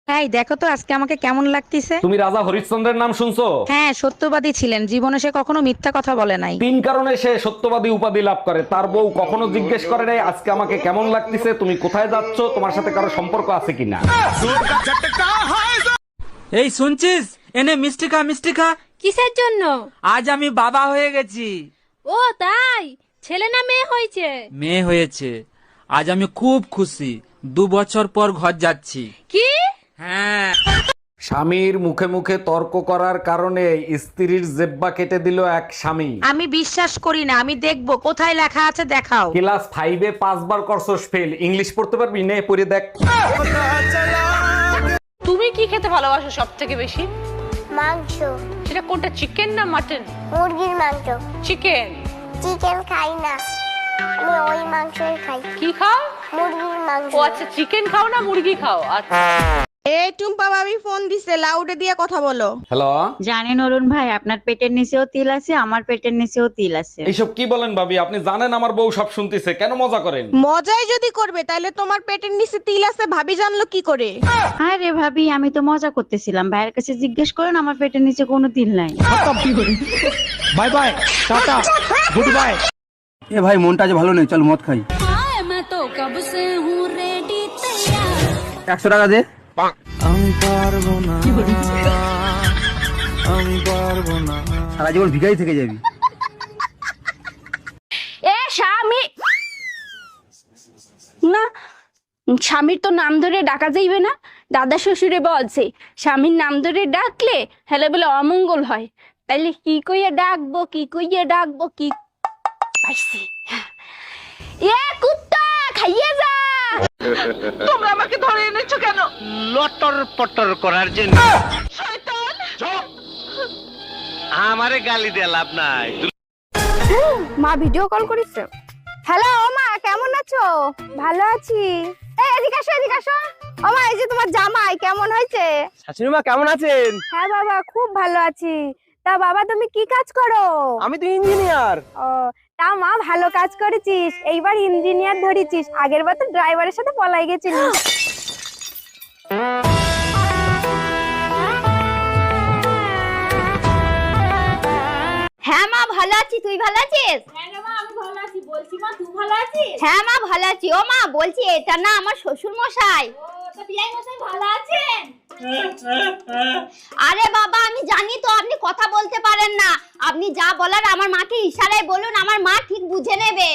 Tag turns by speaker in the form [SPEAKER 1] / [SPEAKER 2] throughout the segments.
[SPEAKER 1] এই দেখো তো আজকে আমাকে কেমন লাগতেছে।
[SPEAKER 2] তুমি রাজা হরিশ্চন্দ্রের নাম শুনছো?
[SPEAKER 1] হ্যাঁ, সত্যবাদী ছিলেন, জীবনে সে কখনো মিথ্যা কথা বলে নাই।
[SPEAKER 2] 3 কারণে সে সত্যবাদী উপাধি লাভ করে। তার বউ কখনো জিজ্ঞেস করে নাই আজকে আমাকে কেমন লাগতেছে, তুমি কোথায় যাচ্ছ, তোমার সাথে কারো সম্পর্ক আছে কিনা।
[SPEAKER 3] এই শুনছিস, এনে মিষ্টি খা, মিষ্টি খা।
[SPEAKER 4] কিসের জন্য?
[SPEAKER 3] আজ আমি বাবা হয়ে গেছি।
[SPEAKER 4] ও তাই? ছেলে না মেয়ে হয়েছে?
[SPEAKER 3] মেয়ে হয়েছে। আজ আমি খুব খুশি। 2 বছর পর ঘর যাচ্ছি।
[SPEAKER 4] কি?
[SPEAKER 3] হ্যাঁ।
[SPEAKER 2] স্বামীর মুখে মুখে তর্ক করার কারণে স্ত্রীর জেব্বা কেটে দিল এক স্বামী।
[SPEAKER 1] আমি বিশ্বাস করি না, আমি দেখবো কোথায় লেখা আছে, দেখাও।
[SPEAKER 2] ক্লাস 5-এ 5 বার করছস ফেল, ইংলিশ পড়তে পারবি? নে পড়ে দেখ।
[SPEAKER 5] তুমি কি খেতে ভালোবাসো সব থেকে বেশি?
[SPEAKER 6] মাংস।
[SPEAKER 5] সেটা কোনটা, চিকেন না মাটন?
[SPEAKER 6] মুরগির মাংস।
[SPEAKER 5] চিকেন।
[SPEAKER 6] চিকেন খাই না, আমি ওই মাংসই খাই।
[SPEAKER 5] কি খাও?
[SPEAKER 6] মুরগির মাংস।
[SPEAKER 5] ও আচ্ছা, চিকেন খাও না মুরগি খাও? আচ্ছা।
[SPEAKER 7] এই টুম্পা ভাবি ফোন দিছে, লাউডে দিয়ে কথা বলো।
[SPEAKER 2] হ্যালো,
[SPEAKER 8] জানেন অরুণ ভাই, আপনার পেটের নিচেও তিল আছে, আমার পেটের নিচেও তিল আছে।
[SPEAKER 2] এইসব কি বলেন ভাবি? আপনি জানেন আমার বউ সব শুনতেছে, কেন মজা করেন?
[SPEAKER 7] মজাই যদি করবে তাহলে তোমার পেটের নিচে তিল আছে ভাবি জানলো কি করে?
[SPEAKER 8] আরে ভাবি, আমি তো মজা করতেছিলাম। ভাইয়ের কাছে জিজ্ঞেস করেন, আমার পেটের নিচে কোনো তিল নাই।
[SPEAKER 3] Bye bye, tata, good bye.
[SPEAKER 9] এ ভাই, মনটা আজ ভালো নেই, চল মদ খাই। 100 টাকা দে। সারা জীবন ভিখারি থেকে যাবি।
[SPEAKER 4] এ স্বামী না, স্বামীর তো নাম ধরে ডাকা যাইবে না। দাদা শ্বশুরে বলছে স্বামীর নাম ধরে ডাকলে হেলে বলে অমঙ্গল হয়। তাইলে কি কইয়া ডাকবো, কি কইয়া ডাকবো, কি পাইছি। এ কুত্তা, খাইয়ে যা।
[SPEAKER 5] তোমরা আমাকে ধরে এনেছো কেন?
[SPEAKER 10] লটর পটর করার জন্য। আমারে গালি দিয়ে লাভ নাই।
[SPEAKER 4] মা ভিডিও কল করেছে। হ্যালো ও মা, কেমন আছো? ভালো আছি। এই এদিকে আসো, এদিকে আসো। ও মা, এই যে তোমার জামাই কেমন হয়েছে?
[SPEAKER 9] শাশুড়ি মা কেমন আছেন?
[SPEAKER 4] হ্যাঁ বাবা, খুব ভালো আছি। তা বাবা তুমি কি কাজ করো?
[SPEAKER 9] আমি তো ইঞ্জিনিয়ার।
[SPEAKER 4] ও, তা মা ভালো কাজ করেছিস, এইবার ইঞ্জিনিয়ার ধরেছিস। আগের বার তো ড্রাইভারের সাথে পলাই গেছিলিস। হ্যাঁ মা ভালো আছি, তুই ভালো আছিস? হ্যাঁ মা আমি ভালো আছি। বলছি মা তুই ভালো আছিস? হ্যাঁ মা ভালো আছি। ও মা বলছি, এটা না আমার শ্বশুর মশাই। ও, তা বিয়াই মশাই ভালো আছেন? আরে বাবা, আমি জানি তো আপনি কথা বলতে পারেন না। আপনি যা বলার আমার মাকে ইশারায় বলুন, আমার মা ঠিক বুঝে নেবে।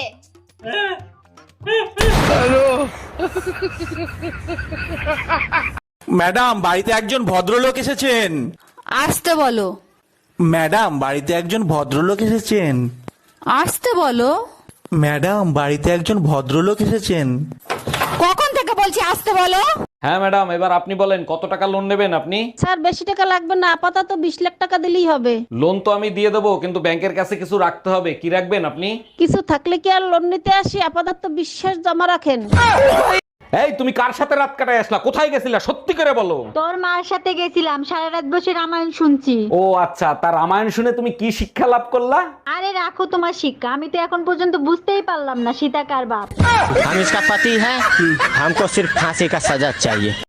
[SPEAKER 3] ম্যাডাম, বাড়িতে একজন ভদ্রলোক এসেছেন।
[SPEAKER 11] আসতে বলো।
[SPEAKER 3] ম্যাডাম, বাড়িতে একজন ভদ্রলোক এসেছেন।
[SPEAKER 11] আসতে বলো।
[SPEAKER 3] ম্যাডাম, বাড়িতে একজন ভদ্রলোক এসেছেন।
[SPEAKER 11] কখন থেকে বলছি আসতে বলো?
[SPEAKER 2] হ্যাঁ ম্যাডাম, এবার আপনি বলেন কত টাকা লোন নেবেন আপনি?
[SPEAKER 7] স্যার বেশি টাকা লাগবে না, আপাতত 20 লাখ টাকা দিলেই হবে।
[SPEAKER 2] লোন তো আমি দিয়ে দেবো, কিন্তু ব্যাংকের কাছে কিছু রাখতে হবে। কি রাখবেন আপনি?
[SPEAKER 7] কিছু থাকলে কি আর লোন নিতে আসি? আপাতত বিশ্বাস জমা রাখেন।
[SPEAKER 2] এই তুমি কার সাথে রাত কাটায় আসলা? কোথায় গেছিলা সত্যি করে বলো।
[SPEAKER 8] তোর মার সাথে গেছিলাম, সারা রাত বসে রামায়ণ শুনছি।
[SPEAKER 2] ও আচ্ছা, তার রামায়ণ শুনে তুমি কি শিক্ষা লাভ করলা?
[SPEAKER 8] আরে রাখো তোমার শিক্ষা, আমি তো এখন পর্যন্ত বুঝতেই পারলাম না সীতা কার বাপ।
[SPEAKER 10] हम इसका पति है, हमको सिर्फ फांसी का सजा चाहिए।